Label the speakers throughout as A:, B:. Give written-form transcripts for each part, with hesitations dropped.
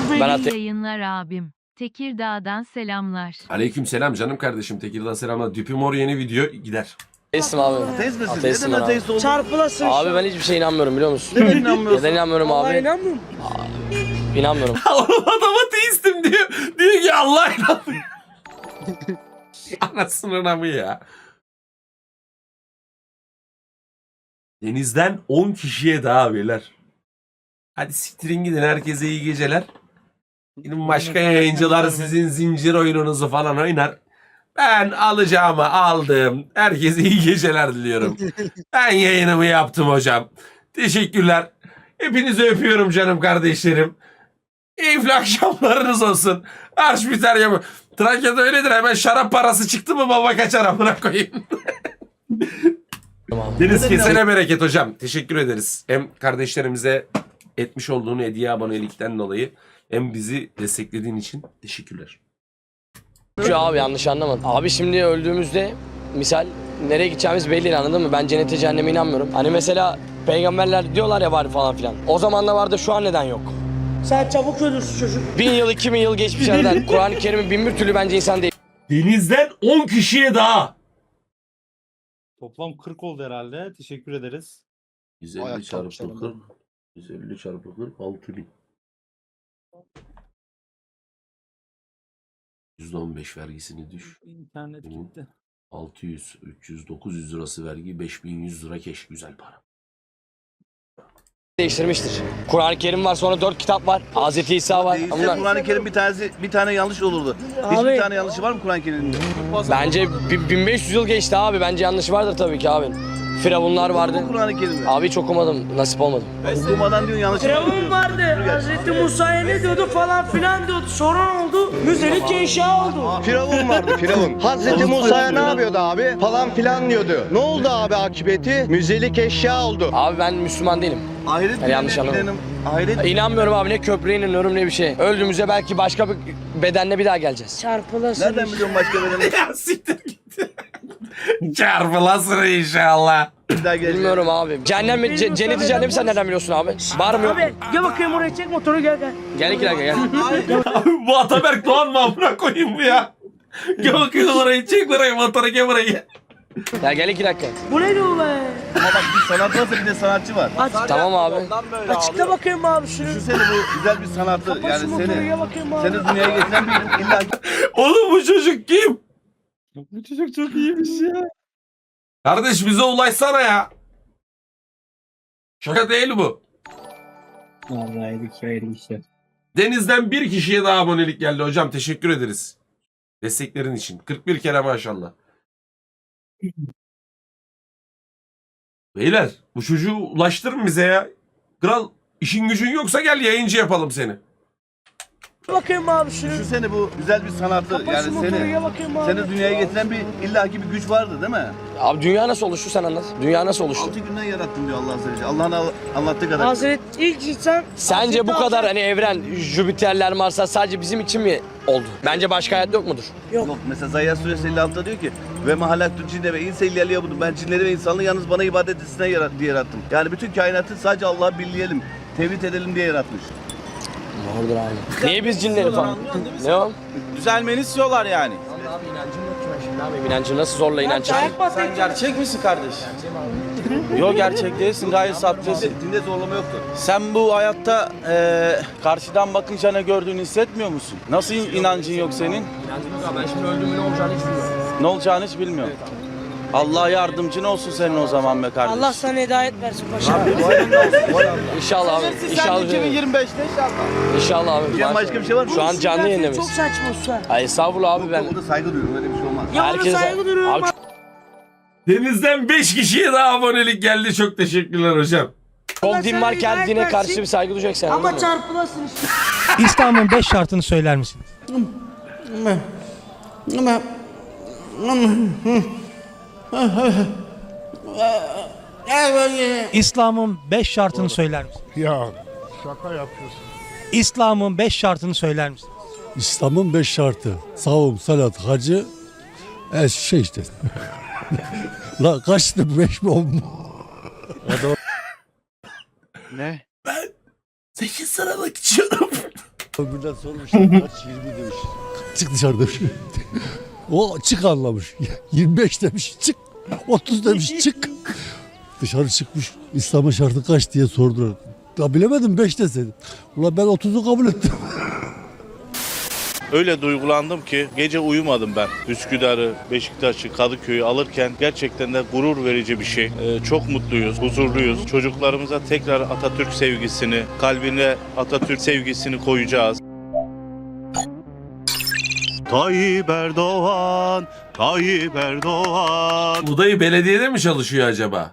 A: Ben
B: yayınlar abim. Tekirdağ'dan selamlar.
C: Aleyküm selam canım kardeşim. Tekirdağ selamlar. Düpimor yeni video gider.
A: ateistim abi.
D: Ateist misin?
A: Ateistim
D: Neden
A: ben
D: ateist oldun?
E: Çarpılasın.
A: Abi ben hiçbir şeye inanmıyorum biliyor musun?
D: Neden inanmıyorsun?
A: Neden inanmıyorum
E: Vallahi
A: abi?
E: inanmıyor musun?
A: İnanmıyorum.
C: Oğlum adam ateistim diyor. Diyor ki Allah inanmıyor. Anasının amı ya. Denizden 10 kişiye daha beyler. Hadi siktirin gidin, herkese iyi geceler. Benim başka yayıncılar sizin zincir oyununuzu falan oynar. Ben alacağımı aldım. Herkese iyi geceler diliyorum. Ben yayınımı yaptım hocam. Teşekkürler. Hepinizi öpüyorum canım kardeşlerim. Keyifli akşamlarınız olsun. Arş biter ya bu. Trakya'da öyledir, hemen şarap parası çıktı mı baba kaçar amına koyayım. Deniz kesene bereket hocam. Teşekkür ederiz. Hem kardeşlerimize etmiş olduğun hediye abonelikten dolayı hem bizi desteklediğin için teşekkürler.
A: Şu abi yanlış anlamadım. Abi şimdi öldüğümüzde misal nereye gideceğimiz belli, anladın mı? Ben cennete cehenneme inanmıyorum. Hani mesela peygamberler diyorlar ya var falan filan. O zaman da vardı, şu an neden yok?
E: Sen çabuk ölürsün çocuk.
A: 1000 yıl 2000 yıl geçmiş aradan. Kur'an-ı Kerim'in bin bir türlü bence insan değil.
C: Denizden 10 kişiye daha.
F: Toplam 40 oldu herhalde. Teşekkür ederiz.
C: 150 çarpı 40. 150 çarpı 40 6000. %15 vergisini düş.
F: İnternet gitti.
C: 600, 300, 900 lirası vergi, 5100 lira keş. Güzel para.
A: Değiştirmiştir. Kur'an-ı Kerim var, sonra 4 kitap var. Hazreti İsa var.
D: Değilse
A: Bunlar
D: Kur'an-ı Kerim bir tane yanlış olurdu.
E: Abi.
D: Hiçbir tane yanlışı var mı Kur'an-ı Kerim'de?
A: bence 1500 yıl geçti abi. Bence yanlış vardır tabii ki abi. Firavunlar vardı.
D: Kur'an-ı Kerim'de.
A: Abi hiç okumadım. Nasip olmadı.
D: Okumadan diyorsun yanlış.
E: Firavun vardı. Hazreti Musa'ya ne diyordu falan filan diyordu. Sonra ne oldu? Müzelik eşya oldu.
G: Firavun vardı Firavun. Hazreti Musa'ya ne yapıyordu abi? Falan filan diyordu. Ne oldu abi akıbeti? Müzelik eşya oldu.
A: Abi ben Müslüman değilim.
D: Ahiret
A: Yani yanlış
D: bilenim,
A: anlamadım.
D: Ahiret
A: İnanmıyorum abi, ne köprüye inanıyorum ne bir şey. Öldüğümüzde belki başka bir bedenle bir daha geleceğiz.
E: Çarpılasın.
D: nereden biliyorsun başka bedeni?
C: Ya siktir git. Çarpılasın inşallah.
D: Bir daha gelecek.
A: Bilmiyorum abi. Cehennem mi? Cenneti cehennemi sen nereden biliyorsun abi? Var mı yok mu?
E: Abi gel bakayım oraya, çek motoru, gel gel.
A: Gel iki dakika gel.
C: Abi bu Ataberk Doğan mı amına koyayım bu ya? Gel bakayım orayı, çek orayı, motoru gel buraya.
A: Ya gel iki dakika.
E: Bu ne diyor be?
D: Ama bak bir sanat varsa bir de sanatçı var.
A: Tamam abi.
E: Açıkla bakayım abi şunu.
D: Düşünsene bu güzel bir sanatı.
E: Kapat şu
D: Yani
E: motoru,
D: seni
E: gel bakayım abi.
D: dünyaya getiren bir illa
C: Oğlum bu çocuk kim?
F: Bu çocuk çok iyiymiş ya.
C: Kardeş bize ulaşsana ya. Şaka değil bu.
F: Vallahi hayırlı işler.
C: Deniz'den bir kişiye daha abonelik geldi hocam. Teşekkür ederiz. Desteklerin için. 41 kere maşallah. Beyler bu çocuğu ulaştırın bize ya. Kral işin gücün yoksa gel yayıncı yapalım seni.
E: Bakayım abi şunu.
D: Düşünsene bu güzel bir sanatı.
E: Kapat şu
D: Yani
E: motoru,
D: seni
E: gel bakayım abi.
D: dünyaya getiren bir illaki bir güç vardı değil mi?
A: Abi dünya nasıl oluştu sen anlat. Dünya nasıl oluştu?
D: 6 günden yarattım diyor Allah Azze ve Celle. Allah'ın anlattığı kadar.
E: Hazreti ilk insan.
A: Sence bu kadar hani evren, Jüpiterler, Marslar sadece bizim için mi oldu? Bence başka hayat yok mudur?
D: Yok. Mesela Zayyar Suresi 56'da diyor ki ve mahalaktu cinne ve insa illâ liyabudun. Ben cinleri ve insanlığı yalnız bana ibadet etsinler diye yarattım. Yani bütün kainatı sadece Allah'ı birleyelim, tevhid edelim diye yaratmış.
A: Doğrudur abi. Niye biz cinleri falan? Ne o?
H: Düzelmeni istiyorlar yani.
A: Abi inancım yok ki ben şimdi abi. İnancı nasıl zorla inanç?
H: Sen gerçek misin kardeş? Yok gerçek değilsin, gayet sahtesin.
D: Dinde zorlama yoktur.
H: Sen bu hayatta karşıdan bakınca ne gördüğünü hissetmiyor musun? Nasıl inancın yok senin?
A: İnancım yok abi. Ben şimdi öldüğümde ne olacağını hiç bilmiyorum.
H: Ne olacağını hiç bilmiyorum. Allah yardımcın olsun senin o zaman be kardeş.
E: Allah sana hidayet versin paşa.
A: İnşallah abi. İnşallah.
H: 2025'te inşallah.
A: İnşallah abi.
D: Diyen başka bir şey var mı?
A: Şu an canlı yayında
E: Çok
A: mıyız?
E: saçma usta.
A: Ay estağfurullah abi ben.
D: O da saygı duyuyorum, öyle bir şey olmaz.
E: Ya ona
A: Herkese-
E: saygı duruyorum.
A: Abi
C: Deniz'den 5 kişiye daha abonelik geldi. Çok teşekkürler hocam.
A: çok din var,
E: Sen
A: kendine
E: hidayet
A: karşı
E: versin.
A: bir saygı duyacaksın. anladın
E: Ama
A: mı?
E: çarpılasın işte.
I: İslam'ın 5 şartını söyler misiniz? İslam'ın 5 şartını söyler misiniz?
J: Ya şaka yapıyorsun.
I: İslam'ın 5 şartını söyler misiniz?
J: İslam'ın 5 şartı. Savun, salat, hacı, şey işte. La kaçtı 5 mi 10 mu?
G: Ne?
C: 8 sıralık içiyorum.
J: Öbürden sormuşlar kaç 20 demiş. Çık dışarı demiş. O çık anlamış. 25 demiş çık. 30 demiş çık. Dışarı çıkmış. İslam'ın şartı kaç diye sordular. Ya bilemedim 5 deseydim. Ulan ben 30'u kabul ettim.
H: Öyle duygulandım ki gece uyumadım ben. Üsküdar'ı, Beşiktaş'ı, Kadıköy'ü alırken gerçekten de gurur verici bir şey. Çok mutluyuz, huzurluyuz. Çocuklarımıza tekrar Atatürk sevgisini, kalbine Atatürk sevgisini koyacağız. Tayyip Erdoğan, Tayyip Erdoğan.
C: Bu dayı belediyede mi çalışıyor acaba?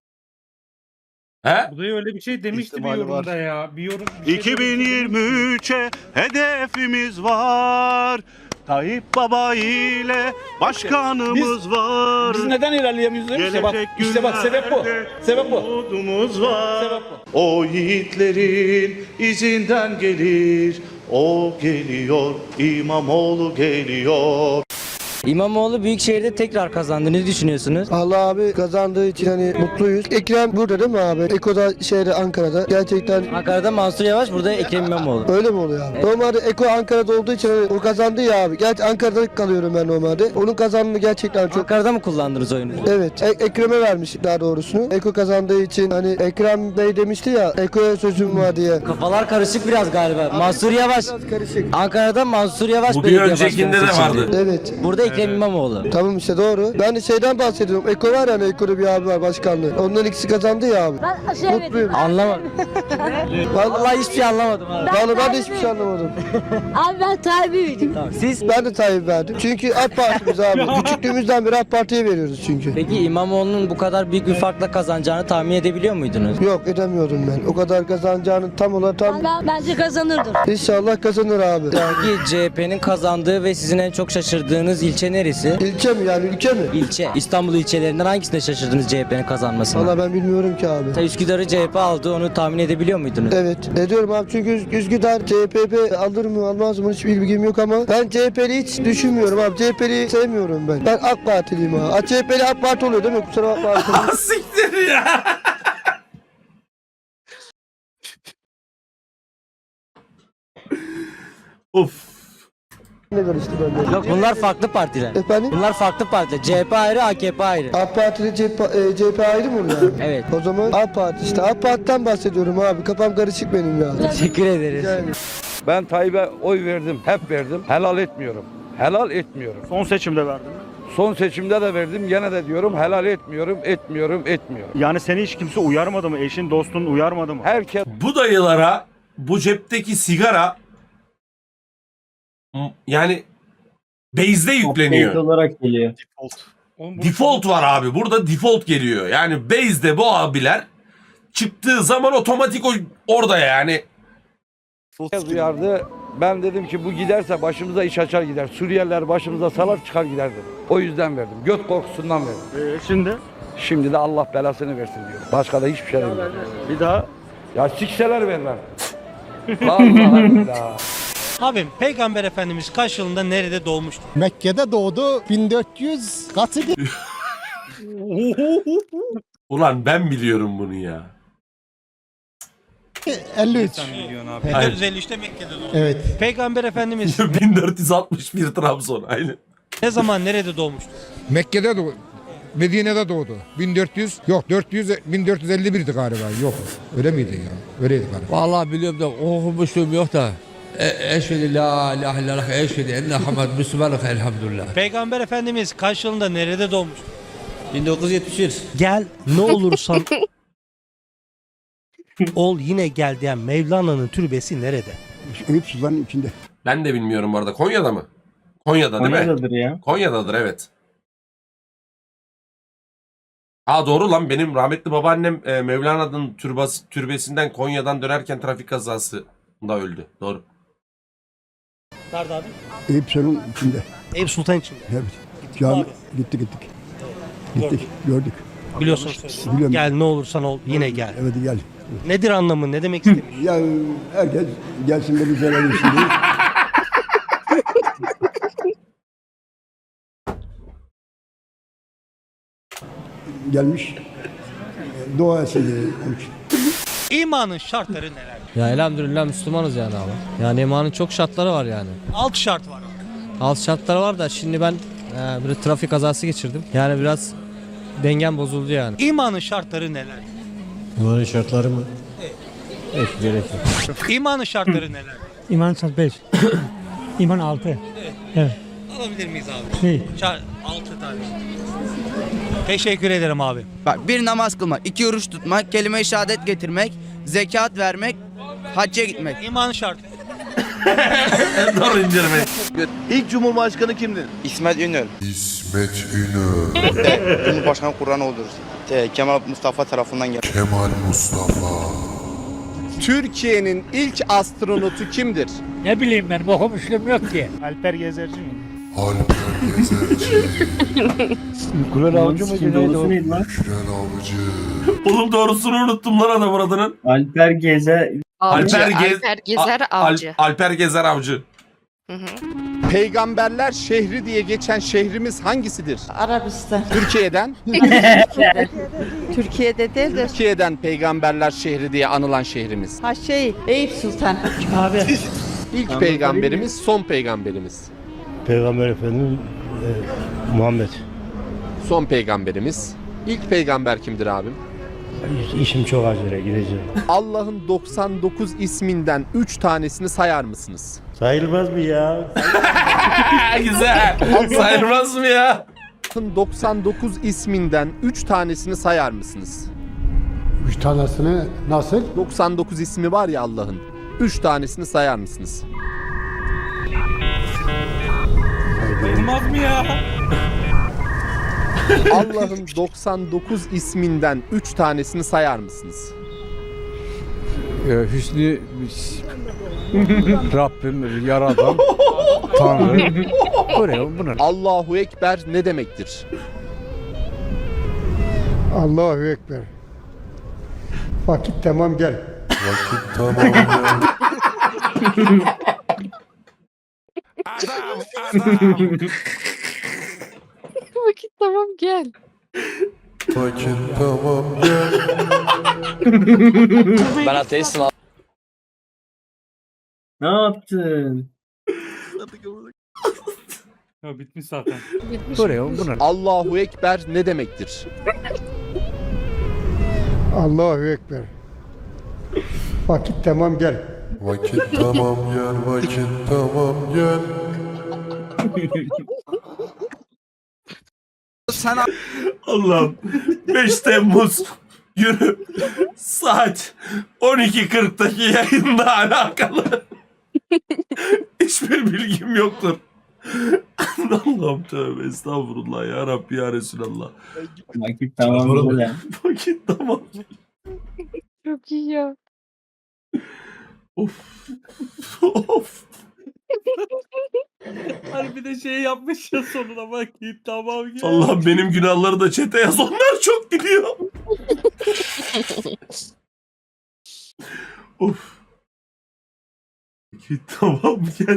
C: He?
F: Bu da öyle bir şey demişti bir yorumda ya. Bir yorum.
H: 2023'e hedefimiz var. Tayyip Baba ile başkanımız var.
E: Biz neden ilerleyemiyoruz? İşte bak sebep bu. Sebep bu.
H: Umudumuz var. O yiğitlerin izinden gelir. O geliyor, İmamoğlu geliyor.
E: İmamoğlu Büyükşehir'de tekrar kazandı. Ne düşünüyorsunuz?
G: Allah abi kazandığı için hani mutluyuz. Ekrem burada değil mi abi? Eko'da Ankara'da. Gerçekten
E: Ankara'da Mansur Yavaş, burada Ekrem İmamoğlu.
G: öyle mi oluyor abi? Normalde Eko Ankara'da olduğu için hani o kazandı ya abi. Gerçi Ankara'da kalıyorum ben normalde. Onun kazandığını gerçekten çok...
E: Ankara'da mı kullandınız oyunu?
G: Evet. Ekrem'e vermiş daha doğrusunu. Eko kazandığı için hani Ekrem Bey demişti ya Eko'ya sözüm var diye.
E: Kafalar karışık biraz galiba. Mansur Yavaş.
G: Biraz karışık.
E: Ankara'da Mansur Yavaş
C: Bu bir
E: belediye
C: öncekinde de
E: başkanı seçildi.
C: vardı.
G: Evet.
E: Burada Ekrem İmamoğlu.
G: Tamam işte doğru. Ben de şeyden bahsediyorum. Eko var ya hani Eko'da bir abi var başkanlığı. Onların ikisi kazandı ya abi. Mutluyum.
E: Anlamadım. Vallahi hiçbir şey anlamadım abi.
G: Vallahi ben de hiçbir şey anlamadım.
K: Abi ben Tayyip'iyim.
E: Tamam. Siz
G: Ben de Tayyip verdim. Çünkü AK Parti'miz abi. Küçüklüğümüzden beri AK Parti'ye veriyoruz çünkü.
E: peki İmamoğlu'nun bu kadar büyük bir farkla kazanacağını tahmin edebiliyor muydunuz?
G: Yok edemiyorum ben. O kadar kazanacağını tam olarak
K: Bence kazanırdır.
G: İnşallah kazanır abi.
E: Peki CHP'nin kazandığı ve sizin en çok şaşırdığınız ilçe neresi?
G: İlçe mi yani ülke mi?
E: İlçe. İstanbul ilçelerinden hangisinde şaşırdınız CHP'nin kazanmasına?
G: Valla ben bilmiyorum ki abi.
E: Üsküdar'ı CHP aldı, onu tahmin edebiliyor muydunuz?
G: Evet. Ediyorum abi çünkü Üsküdar CHP alır mı almaz mı hiç bilgim yok ama ben CHP'li hiç düşünmüyorum abi. CHP'li sevmiyorum ben. Ben AK Partiliyim abi. CHP'li AK Parti oluyor değil mi? Kusura bakma.
C: Siktir ya. Of.
G: Ne karıştı bende?
E: Yok, bunlar farklı partiler.
G: Efendim?
E: Bunlar farklı partiler. CHP ayrı, AKP ayrı.
G: AK Parti'de CHP ayrı mı oluyor?
E: Evet.
G: O zaman AK Parti işte. AK Parti'den bahsediyorum abi. Kafam karışık benim ya.
E: Teşekkür ederiz.
G: Yani.
A: Ben Tayyip'e oy verdim. Hep verdim. Helal etmiyorum. Helal etmiyorum.
F: Son seçimde verdin.
A: Son seçimde de verdim. Gene de diyorum helal etmiyorum.
F: Yani seni hiç kimse uyarmadı mı? Eşin, dostun uyarmadı mı?
A: Herkes
C: Bu dayılara bu cepteki sigara yani base'de yükleniyor.
F: olarak geliyor.
C: Default var abi. Burada default geliyor. Yani base'de bu abiler çıktığı zaman otomatik orada yani.
A: uyardı. Ben dedim ki bu giderse başımıza iş açar gider. Suriyeliler başımıza salar çıkar gider dedim. O yüzden verdim. Göt korkusundan verdim.
F: Şimdi
A: Şimdi de Allah belasını versin diyor. Başka da hiçbir şey demiyorum.
F: bir daha
A: Ya sikseler vermem. Vallahi billahi.
I: Abim Peygamber Efendimiz kaç yılında nerede doğmuştu?
J: Mekke'de doğdu 1400 katı
C: Ulan ben biliyorum bunu ya.
J: 53.
I: 1453'te Mekke'de doğdu.
J: Evet.
I: Peygamber Efendimiz
C: 1461 Trabzon aynı.
I: ne zaman nerede doğmuştu?
J: Mekke'de doğdu. Medine'de doğdu. 1451'di galiba. Yok. Öyle miydi ya? Öyleydi galiba.
L: Vallahi biliyorum da okumuşluğum yok da. Eşhedü la ilahe illallah eşhedü enne Muhammed Müslümanlık elhamdülillah.
I: Peygamber Efendimiz kaç yılında nerede doğmuştu?
L: 1971.
I: Gel ne olursan ol yine gel diyen Mevlana'nın türbesi nerede?
J: Eyüp Sultan'ın içinde.
C: Ben de bilmiyorum bu arada. Konya'da mı? Konya'da değil mi?
F: Konya'dadır ya.
C: Konya'dadır evet. Aa doğru lan benim rahmetli babaannem Mevlana'nın türbesinden Konya'dan dönerken trafik kazasında öldü. Doğru.
I: Nerede abi?
J: Eyüp Sultan'ın içinde.
I: Eyüp Sultan içinde.
J: Evet.
I: Cami.
J: Gittik. Gördük.
I: Biliyorsun.
J: Biliyorum.
I: Gel ne olursan ol yine gel.
J: Evet gel.
I: Nedir anlamı? Ne demek istemiş?
J: Ya herkes gelsin de bir verelim şimdi. Gelmiş. Dua etsin.
I: İmanın şartları neler? Ya elhamdülillah Müslümanız yani abi. Yani imanın çok şartları var yani. Alt şart var. Alt şartları var da şimdi ben bir trafik kazası geçirdim. Yani biraz dengem bozuldu yani. İmanın şartları neler?
J: İmanın şartları mı? Hiç gerek yok.
I: İmanın şartları neler?
J: İman 5. İman 6. Evet.
I: Alabilir miyiz abi?
J: Şey.
I: 6 tane. Teşekkür ederim abi.
E: Bak, bir namaz kılmak, 2 oruç tutmak, kelime-i şehadet getirmek, zekat vermek, hacca gitmek.
I: İmanın şartı.
C: Dur indirme.
D: İlk Cumhurbaşkanı kimdir?
E: İsmet İnönü.
J: İsmet İnönü.
E: Cumhurbaşkanı Kur'an olur. Kemal Mustafa tarafından geldi.
J: Kemal Mustafa.
G: Türkiye'nin ilk astronotu kimdir?
J: Ne bileyim ben okumuşluğum yok ki.
F: Alper Gezerci mi?
J: Alper Gezerci.
G: Gülen Avcı mı?
F: neydi lan?
J: Gülen Avcı.
C: Oğlum doğrusunu unuttum lan adam adının.
F: Alper Gezer.
C: Alper
K: Gezer Avcı.
C: Alper Gezer Avcı.
G: Peygamberler şehri diye geçen şehrimiz hangisidir?
K: Arabistan.
G: Türkiye'den.
K: Türkiye'de değil de
G: Türkiye'den peygamberler şehri diye anılan şehrimiz.
K: Eyüp Sultan.
J: Abi.
G: İlk peygamberimiz, son peygamberimiz.
J: Peygamber Efendimiz Muhammed.
G: Son peygamberimiz. İlk peygamber kimdir abim?
J: İşim çok acele gideceğim.
G: Allah'ın 99 isminden 3 tanesini sayar mısınız?
J: Sayılmaz mı ya?
C: Güzel. Sayılmaz mı ya?
G: Allah'ın 99 isminden 3 tanesini sayar mısınız?
J: 3 tanesini nasıl?
G: 99 ismi var ya Allah'ın. 3 tanesini sayar mısınız?
F: Sayılmaz mı ya?
G: Allah'ın 99 isminden 3 tanesini sayar mısınız?
J: Hüsnü Rabbim yaradan Tanrı. Buraya bunu.
G: Allahu Ekber ne demektir?
J: Allahu Ekber. Vakit tamam gel. Vakit tamam gel.
K: Vakit tamam gel.
J: Vakit tamam gel.
A: Ben ateistim abi.
F: Ne yaptın? Ya bitmiş zaten.
J: Buraya bunu.
G: Allahu Ekber ne demektir?
J: Allahu Ekber. Vakit tamam gel. Vakit tamam gel. Vakit tamam gel.
C: Allah'ım 5 Temmuz günü saat 12.40'daki yayınla alakalı hiçbir bilgim yoktur. Allah'ım tövbe estağfurullah ya Rabbi ya Resulallah.
F: Vakit tamam.
C: Vakit tamam.
K: Çok iyi ya.
C: Of. Of.
F: Harbi de şey yapmış ya sonuna vakit tamam gel.
C: Allah benim günahları da çete yaz. Onlar çok gidiyor. Of. Vakit tamam gel.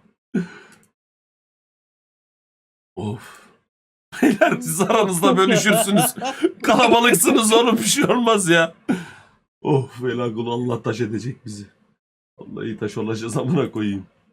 C: Of. Beyler siz aranızda bölüşürsünüz. Kalabalıksınız oğlum bir şey olmaz ya. Of Velakul Allah taş edecek bizi. Vallahi taş olacağız amına koyayım.